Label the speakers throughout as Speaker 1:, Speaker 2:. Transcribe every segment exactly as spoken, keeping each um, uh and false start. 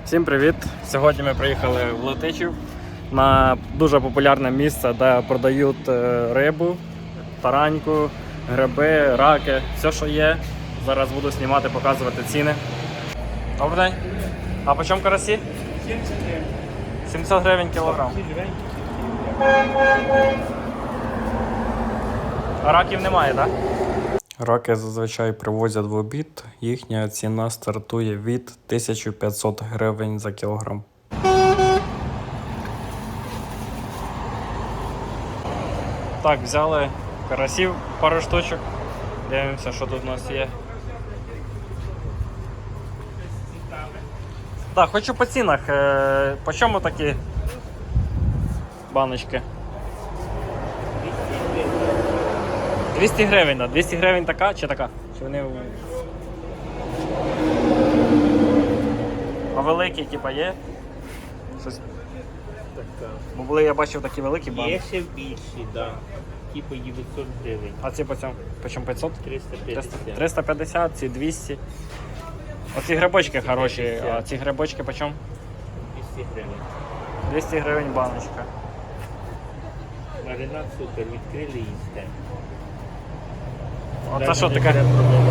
Speaker 1: Всім привіт! Сьогодні ми приїхали в Летичів на дуже популярне місце, де продають рибу, тараньку, гриби, раки, все, що є. Зараз буду знімати, показувати ціни. Добрий день. А по чому карасі? сімсот гривень кілограм. А раків немає, так? Раки зазвичай привозять в обід, їхня ціна стартує від тисяча п'ятсот гривень за кілограм. Так, взяли карасів пару штучок, дивимося, що тут у нас є. Так, хочу по цінах, по чому такі баночки? двісті гривень, да? двісті гривень така чи така? Чи вони... А великі, типа, є? Щось... Бо були, я бачив, такі великі банки.
Speaker 2: Є ще більші, так. Да. Типу дев'ятсот гривень.
Speaker 1: А ці по цьому? По чому п'ятсот?
Speaker 2: триста п'ятдесят.
Speaker 1: триста п'ятдесят, ці двісті. Оці грибочки хороші, а ці грибочки по чому?
Speaker 2: двісті гривень.
Speaker 1: двісті гривень баночка.
Speaker 2: Маринад супер, відкрили їсти.
Speaker 1: А це що таке?
Speaker 2: Це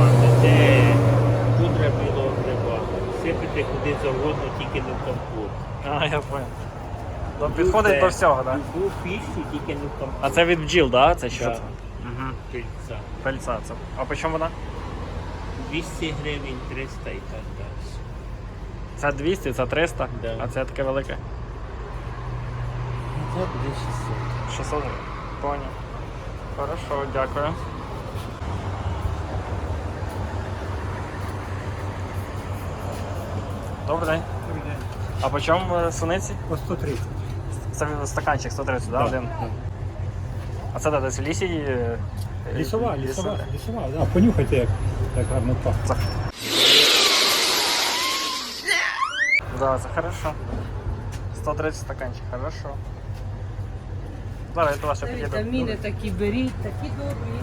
Speaker 2: пудра білого гриба. Сипити куди завгодно, тільки не в компот.
Speaker 1: А, я понял. То підходить до всього, так?
Speaker 2: Любу піщу, тільки не в компот.
Speaker 1: А це від бджіл, так? Да? Це що?
Speaker 2: Да.
Speaker 1: Це? Угу.
Speaker 2: Пильця.
Speaker 1: Пельця це. А по чому вона?
Speaker 2: двісті гривень, триста і так далі.
Speaker 1: Це двісті, це триста,
Speaker 2: Да.
Speaker 1: а це таке велике.
Speaker 2: Це буде шістсот.
Speaker 1: шістсот гривень. Понял. Хорошо, дякую. Добрий день.
Speaker 3: Добрий день.
Speaker 1: А по чому е, суниці?
Speaker 3: По сто тридцять.
Speaker 1: Це стаканчик сто тридцять, да? Один? А це де, десь в лісі? е, е,
Speaker 3: Лісова,
Speaker 1: ліс-
Speaker 3: лісова, лісова. Да, понюхайте, як, як гарно пахне.
Speaker 1: Це... Да, це хорошо. сто тридцять стаканчик, хорошо. Зараз я до вас ще підійду.
Speaker 4: Вітаміни такі беріть, такі добрі.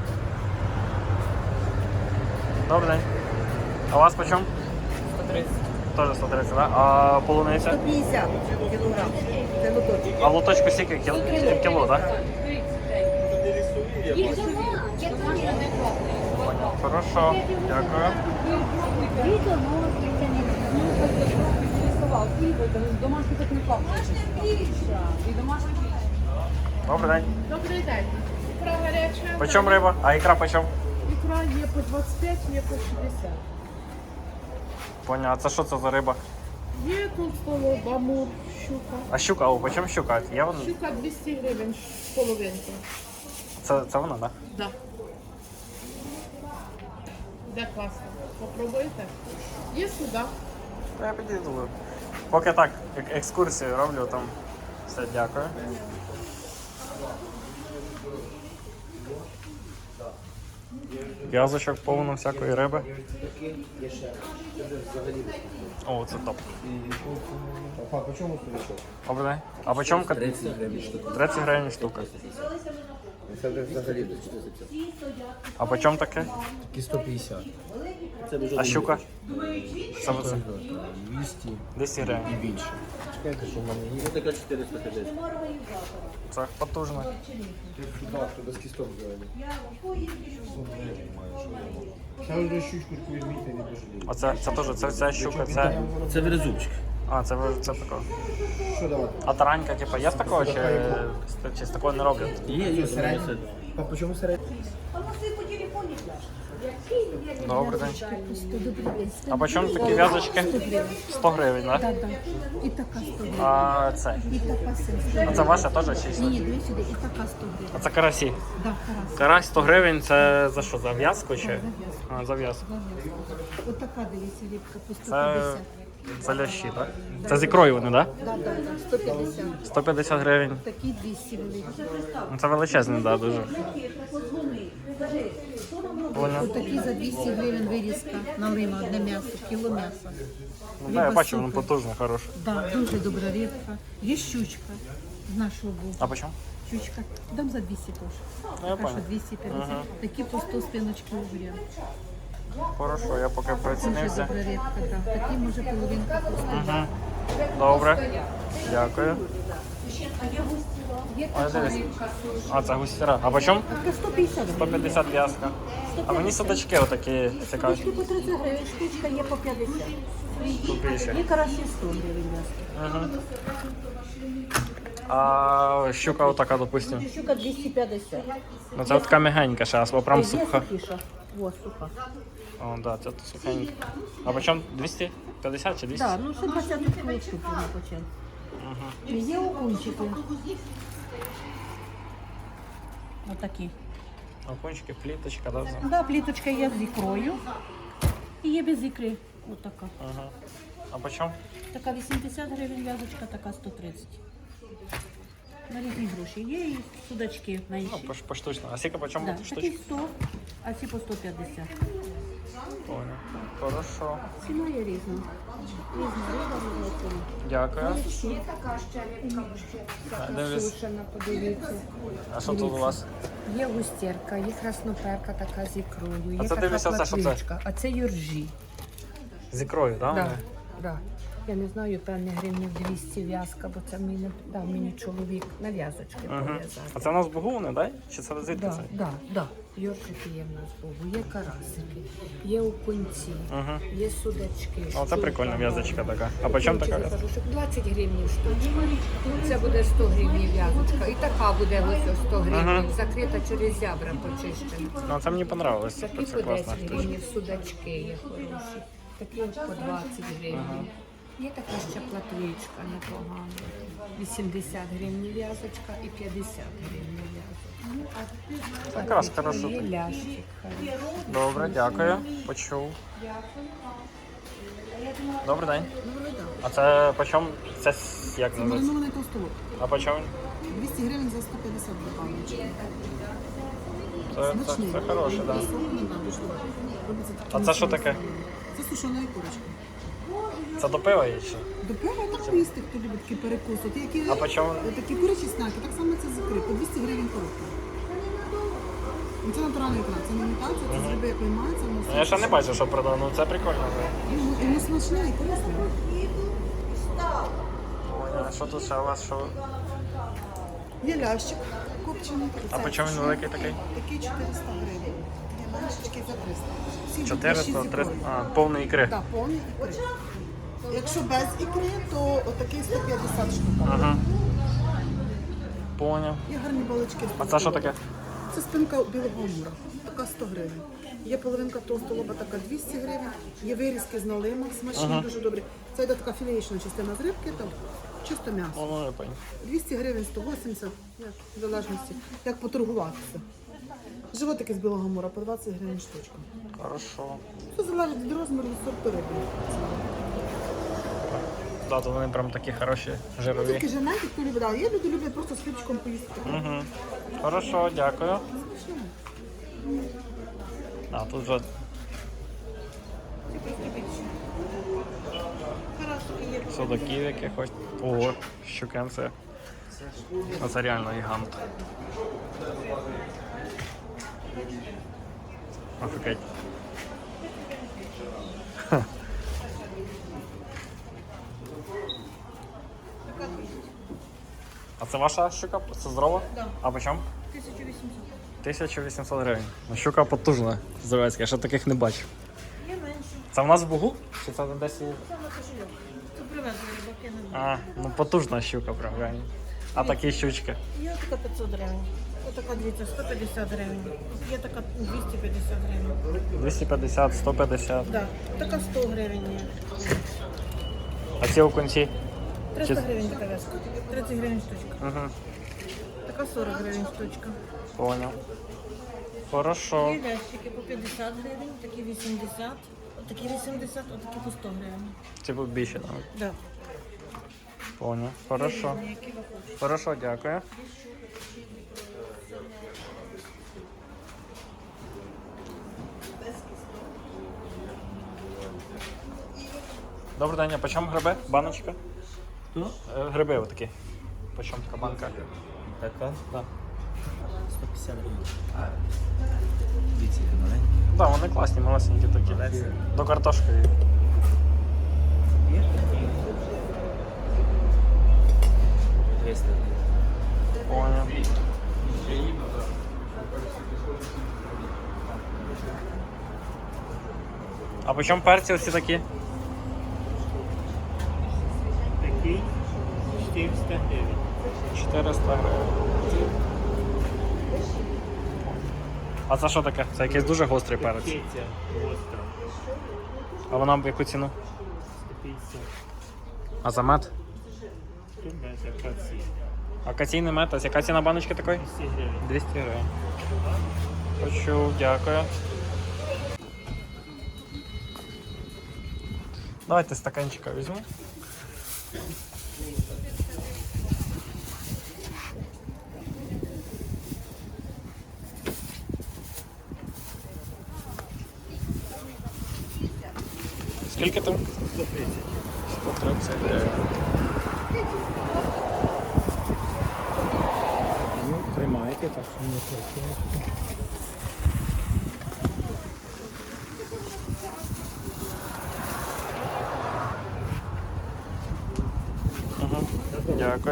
Speaker 1: Добрий день. А у вас по чому?
Speaker 4: сто тридцять.
Speaker 1: Теж сто тридцять, да? А полуниця?
Speaker 5: сто п'ятдесят кілограм. Це лоточок.
Speaker 1: А в лоточку скільки? Кіл... Кіло, так? Хорошо, дякую.
Speaker 4: Домашній так не плаває. І домашній.
Speaker 1: Добрий день.
Speaker 6: Добрий день. Ікра гаряча.
Speaker 1: По чому риба? А ікра по чому?
Speaker 6: Ікра є по двадцять п'ять, є по шістдесят.
Speaker 1: Понял, а це що це за риба?
Speaker 6: Є толстолоб, амур, щука.
Speaker 1: А щука, о, по чому щука? Є вона?
Speaker 6: Щука двісті гривень, половинка.
Speaker 1: Це, це вона, так? Да?
Speaker 6: Да. Де класно. Попробуйте. Є сюди.
Speaker 1: Я підійду. Поки так, ек- екскурсію роблю, там все, дякую. В'язочок повно всякої риби. О, це топ.
Speaker 3: А по чому стрічок?
Speaker 1: Добрий день. А по чому? кат-
Speaker 3: тридцять гривень штука.
Speaker 1: тридцять гривень штука.
Speaker 3: Це вже взагалі до чотирьохсот.
Speaker 1: А по чому таке?
Speaker 3: Такі сто п'ятдесят.
Speaker 1: А щука? Це оце.
Speaker 3: двісті
Speaker 1: двісті гривень.
Speaker 3: і більше. Чекайте, що в мене є. Ось така чотириста п'ятдесят.
Speaker 1: Це потужно.
Speaker 3: Так, що без кісток взагалі. Це вже щучку візьміть, не пожалієте.
Speaker 1: Оце, це теж, це вся щука, це...
Speaker 2: Це верзубчик.
Speaker 1: А, це, ви- це такого.
Speaker 3: Що давати?
Speaker 1: А таранька, типу, є з такого, чи, чи з такого не роблять?
Speaker 2: Є, є,
Speaker 3: Середній. А по чому середній?
Speaker 1: Добрий день. А по чому такі в'язочки? сто гривень, так? Да?
Speaker 7: І така сто гривень.
Speaker 1: А це?
Speaker 7: І така сто
Speaker 1: А це ваша теж чи?
Speaker 7: Ні, дві сюди, і така сто гривень.
Speaker 1: А це карасі?
Speaker 7: Да, карась.
Speaker 1: Карась сто гривень, це за що, за в'язку чи? А, за в'язку.
Speaker 7: Ось така, дивіться, рибка по сто
Speaker 1: Це,
Speaker 7: п'ятдесят.
Speaker 1: це лящі, так? Це з ікрою вони, так?
Speaker 7: Да, да, да, сто п'ятдесят.
Speaker 1: сто п'ятдесят гривень.
Speaker 7: Такі двісті великі.
Speaker 1: Ну, це величезний, так, дуже. Понял.
Speaker 7: Ось такі за двісті гривень вирізка на лима, одне м'ясо, кіло м'яса.
Speaker 1: Ну, да, я
Speaker 7: Риба
Speaker 1: бачу, воно
Speaker 7: супер.
Speaker 1: потужне, хороше.
Speaker 7: Да, дуже добра рибка. Є щучка з нашого боку.
Speaker 1: А по чому?
Speaker 7: Щучка. Дам за двісті теж.
Speaker 1: Ну, я
Speaker 7: Така, що
Speaker 1: понял.
Speaker 7: двісті п'ятдесят. Такі по сто спиночки угря.
Speaker 1: хорошо, я поки
Speaker 7: Дуже
Speaker 1: прицінився.
Speaker 7: добра рибка, так. Такі може половинка коштує.
Speaker 1: Угу. Добре. Дякую. Ой, дивись. А, це густіра. А по чому?
Speaker 7: Така сто п'ятдесят.
Speaker 1: сто п'ятдесят в'язка. А мені судачки отакі цікаві.
Speaker 7: Штучки по тридцять гривень, штучка є по п'ятдесят.
Speaker 1: Тупіші.
Speaker 7: Є карасі сто гривень в'язка.
Speaker 1: Угу. А щука отака, допустим.
Speaker 7: Щука двісті п'ятдесят.
Speaker 1: Ну це така м'ягенька ще, а прям
Speaker 7: Є
Speaker 1: суха.
Speaker 7: сухіша. О, суха.
Speaker 1: О, да, це сухенька. А по чому? двісті п'ятдесят чи двісті?
Speaker 7: Так, ну ще двадцять штук штуки на початку.
Speaker 1: Угу.
Speaker 7: Є окунчики. Отакі.
Speaker 1: Окунчики, пліточка, да?
Speaker 7: Да, пліточка є з ікрою. І є без ікри. Отака.
Speaker 1: Ага. А по чому?
Speaker 7: Така вісімдесят гривень в'язочка, така сто тридцять. На різні гроші. Є і судачки
Speaker 1: Ну,
Speaker 7: менші.
Speaker 1: по- поштучно. А скільки по чому
Speaker 7: Да,
Speaker 1: штучка?
Speaker 7: такі сто, а ці по сто п'ятдесят.
Speaker 1: Понял. Хорошо.
Speaker 7: Ціна є різна. Різна риба, різна ціна.
Speaker 1: Дякую.
Speaker 4: Є така ще рибка,
Speaker 1: А, дивлюсь.
Speaker 4: сушена, подивіться.
Speaker 1: А що тут у вас?
Speaker 4: Є густірка, є красноперка така з ікрою, є
Speaker 1: А це
Speaker 4: така
Speaker 1: дивися, це що це?
Speaker 4: платвичка, а це юржі.
Speaker 1: З ікрою, так?
Speaker 4: Да, да. Я не знаю, певне гривнів двісті в'язка, бо це мені дав мені чоловік на в'язочки
Speaker 1: Угу.
Speaker 4: пов'язати.
Speaker 1: А це у нас бугуни, так? Чи це звідки
Speaker 4: Да,
Speaker 1: це?
Speaker 4: да, да. Йоршики є в нас Богу, є карасики, є окунці,
Speaker 1: Угу.
Speaker 4: є судачки.
Speaker 1: О, це
Speaker 4: щука,
Speaker 1: прикольна в'язочка така. А по чому така
Speaker 4: Окунчики,
Speaker 1: в'язочка?
Speaker 4: кажу, що двадцять гривень штучка. Це буде сто гривень в'язочка. І така буде ось сто гривень,
Speaker 1: Ага.
Speaker 4: закрита через зябра почищена.
Speaker 1: Ну, це мені понравилось.
Speaker 4: Такі
Speaker 1: Це
Speaker 4: по
Speaker 1: класна
Speaker 4: десять
Speaker 1: штучка.
Speaker 4: гривень, судачки є хороші. Такі от по двадцять гривень. Є така ще платвичка непогана. вісімдесят гривень в'язочка і п'ятдесят гривень в'язочка.
Speaker 1: Якраз хорошо.
Speaker 4: Є лящик хороший.
Speaker 1: Добре, дякую. Почув. Добрий день. А це по чому? Це с- як називається?
Speaker 5: Маринований толстолоб.
Speaker 1: А по чому?
Speaker 5: двісті гривень за сто п'ятдесят гривень.
Speaker 1: Це, це, це хороше, так. Да.
Speaker 5: Робиться
Speaker 1: А
Speaker 5: такими
Speaker 1: це що
Speaker 5: соусами.
Speaker 1: таке?
Speaker 5: Це сушена курочка.
Speaker 1: Це до пива є ще?
Speaker 5: До пива так їсти, хто любить такий перекус. От які,
Speaker 1: А по чому?
Speaker 5: такі курячі снаки, так само це з ікри, по двісті гривень коробка. Ну, це натуральна ікра, це не імітація, це з риби, якої мається. воно
Speaker 1: Ну, я ще не
Speaker 5: все-
Speaker 1: бачив, що продав. Ну це прикольно.
Speaker 5: Ну, і воно смачне і корисне.
Speaker 1: Ой, а що тут ще у вас? Що?
Speaker 5: Є лящик копчений.
Speaker 1: А по чому він великий такий?
Speaker 5: Такий чотириста гривень. Є меншечки за триста. Всі йдуть на
Speaker 1: чотириста,
Speaker 5: шість
Speaker 1: триста,
Speaker 5: ікрою.
Speaker 1: а, повний ікри.
Speaker 5: Так, повні ікри. Якщо без ікри, то отакий сто п'ятдесят штук.
Speaker 1: Ага. Поняв.
Speaker 5: Є гарні балички.
Speaker 1: А це що таке?
Speaker 5: Це спинка білого амура. Така сто гривень. Є половинка толстолоба, така двісті гривень. Є вирізки з налима, смачні,
Speaker 1: Ага.
Speaker 5: дуже добрі. Це йде така філеєчна частина з рибки, там чисто м'ясо.
Speaker 1: Ну, я поняв.
Speaker 5: двісті гривень, сто вісімдесят, як, в залежності, як поторгуватися. Животики з білого амура по двадцять гривень штучка.
Speaker 1: Хорошо.
Speaker 5: Це залежить від розміру і сорту риби.
Speaker 1: Да, то вони прям такі хороші,
Speaker 5: Ну,
Speaker 1: жирові.
Speaker 5: тільки женеті, хто любить. А є люди люблять просто з хлібчиком поїсти.
Speaker 1: Угу. Хорошо, дякую. А, тут вже судаків якихось. Ого, щукенце. А це реально гігант. Офігеть. Ха. А це ваша щука? Це здорова? Так. А по чому?
Speaker 7: тисяча вісімсот.
Speaker 1: тисяча вісімсот гривень. Ну, щука потужна, здоровецька, я ще таких не бачив.
Speaker 7: Є менше.
Speaker 1: Це в нас в Бугу? Чи це десь? і-
Speaker 7: Це на кошельок. Це привезли рибаки на
Speaker 1: А, ну потужна щука, прям реально. А такі щучки.
Speaker 7: Є така п'ятсот гривень. Отака, дивіться, сто п'ятдесят гривень. Є така двісті п'ятдесят гривень.
Speaker 1: двісті п'ятдесят, сто п'ятдесят.
Speaker 7: Да. Така сто гривень є.
Speaker 1: А ці окунці?
Speaker 7: триста
Speaker 1: Чи-
Speaker 7: гривень така вязка. тридцять гривень штучка.
Speaker 1: Угу.
Speaker 7: Така сорок гривень штучка.
Speaker 1: Понял. Хорошо.
Speaker 7: Є лящики по п'ятдесят гривень, такі вісімдесят, отакі вісімдесят, отакі по сто гривень.
Speaker 1: Типу більше, так?
Speaker 7: Да.
Speaker 1: Понял. Хорошо.
Speaker 7: Які ви хочете.
Speaker 1: Хорошо, дякую. Добрий день, а по чому гриби? Баночка?
Speaker 2: Хто?
Speaker 1: Е, Гриби отакі. По чому така банка?
Speaker 2: Така?
Speaker 1: Да.
Speaker 8: сто п'ятдесят гривень. Дивіться, які маленькі.
Speaker 1: Так, да, вони класні, малесенькі такі.
Speaker 8: Малесенькі.
Speaker 1: До картошки.
Speaker 8: Є такі. двісті гривень.
Speaker 1: Поняв. А по чому перці всі такі?
Speaker 2: Такий чотириста гривень.
Speaker 1: чотириста гривень. А це що таке? Це якийсь дуже гострий перець.
Speaker 2: Киця гостра.
Speaker 1: А вона в яку ціну?
Speaker 2: сто п'ятдесят.
Speaker 1: А за мед?
Speaker 2: Тут без акації.
Speaker 1: Акаційний мед, а яка ціна баночки такої?
Speaker 2: двісті гривень.
Speaker 1: двісті гривень. Почув, дякую. Давайте стаканчика візьму. Скільки там?
Speaker 2: сто тридцять.
Speaker 1: сто тридцять гривень.
Speaker 8: Ну, тримайте, так що не працює.
Speaker 1: Дякую.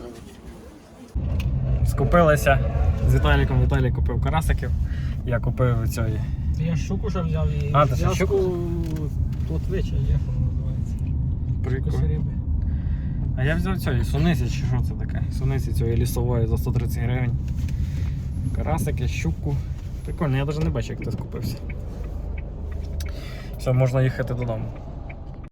Speaker 1: Скупилися з Віталіком. Віталій купив карасиків. Я купив цієї.
Speaker 8: Я щуку вже взяв і
Speaker 1: А, ти ще
Speaker 8: зв'язку
Speaker 1: щуку?
Speaker 8: плотвича, як воно називається.
Speaker 1: Прикольно.
Speaker 8: риби.
Speaker 1: А я взяв цієї суниці, чи що це таке? Суниці цієї лісової за сто тридцять гривень. Карасики, щуку. Прикольно, я навіть не бачу, як ти скупився. Все, можна їхати додому.